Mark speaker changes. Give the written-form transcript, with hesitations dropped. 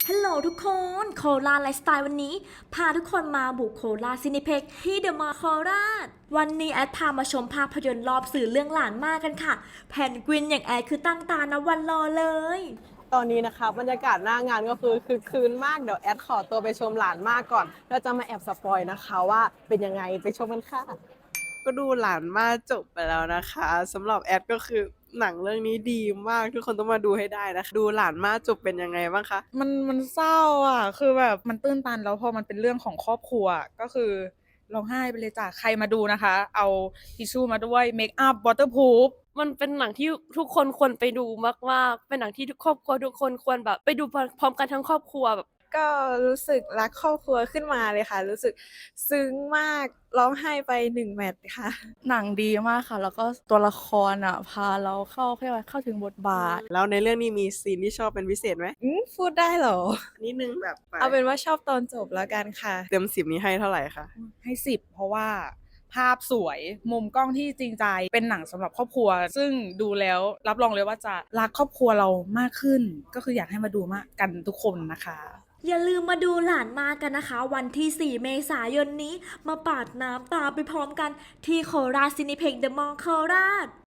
Speaker 1: ฮัลโหลทุกคนโคราชไลฟ์สไตล์วันนี้พาทุกคนมาบุกโคราชซินิเพ็กที่เดอะมอลล์โคราชวันนี้แอดพามาชมภาพยนตร์รอบสื่อเรื่องหลานมากกันค่ะแพนกวินอย่างแอดคือตั้งตานะวันรอเลย
Speaker 2: ตอนนี้นะคะบรรยากาศหน้างานก็คือคืนมากเดี๋ยวแอดขอตัวไปชมหลานมากก่อนแล้วจะมาแอบสปอยนะคะว่าเป็นยังไงไปชมกันค่ะก็ดูหลานมากจบไปแล้วนะคะสำหรับแอดก็คือหนังเรื่องนี้ดีมากทุกคนต้องมาดูให้ได้นะคะดูหลานมากจบเป็นยังไงบ้างคะ
Speaker 3: มันเศร้าอ่ะคือแบบมันตื้นตันแล้วพอมันเป็นเรื่องของครอบครัวก็คือร้องไห้ไปเลยจ้ะใครมาดูนะคะเอาทิชชู่มาด้วยเมคอัพวอเตอร์พูฟ
Speaker 4: มันเป็นหนังที่ทุกคนควรไปดูมากๆเป็นหนังที่ทุกครอบครัวทุกคนควรแบบไปดูพร้อมกันทั้งครอบครัวแบบ
Speaker 5: ก็รู้สึกรักครอบครัวขึ้นมาเลยค่ะรู้สึกซึ้งมากร้องไห้ไป1แมตช์ค่ะ
Speaker 6: หนังดีมากค่ะ แล้วก็ตัวละครอ่ะพาเราเข้าถึงบทบาท
Speaker 2: แล้วในเรื่องนี้มีซีนที่ชอบเป็นพิเศษไหม
Speaker 5: พูดได้เหรอ
Speaker 2: นิดนึงแบบไป
Speaker 5: เอาเป็นว่าชอบตอนจบแล้วกันค่ะ
Speaker 2: เต็ม10นี้ให้เท่าไหร่คะ
Speaker 3: ให้10เพราะว่าภาพสวยมุมกล้องที่จริงใจเป็นหนังสำหรับครอบครัว ซึ่งดูแล้วรับรองเลยว่าจะรักครอบครัวเรามากขึ้น ก็คืออยากให้มาดูมากกันทุกคนนะคะ
Speaker 1: อย่าลืมมาดูหลานมากันนะคะ วันที่ 4 เมษายนนี้มาปาดน้ำตาไปพร้อมกันที่โคราชซินิเพ็กเดอะมอลล์โคราช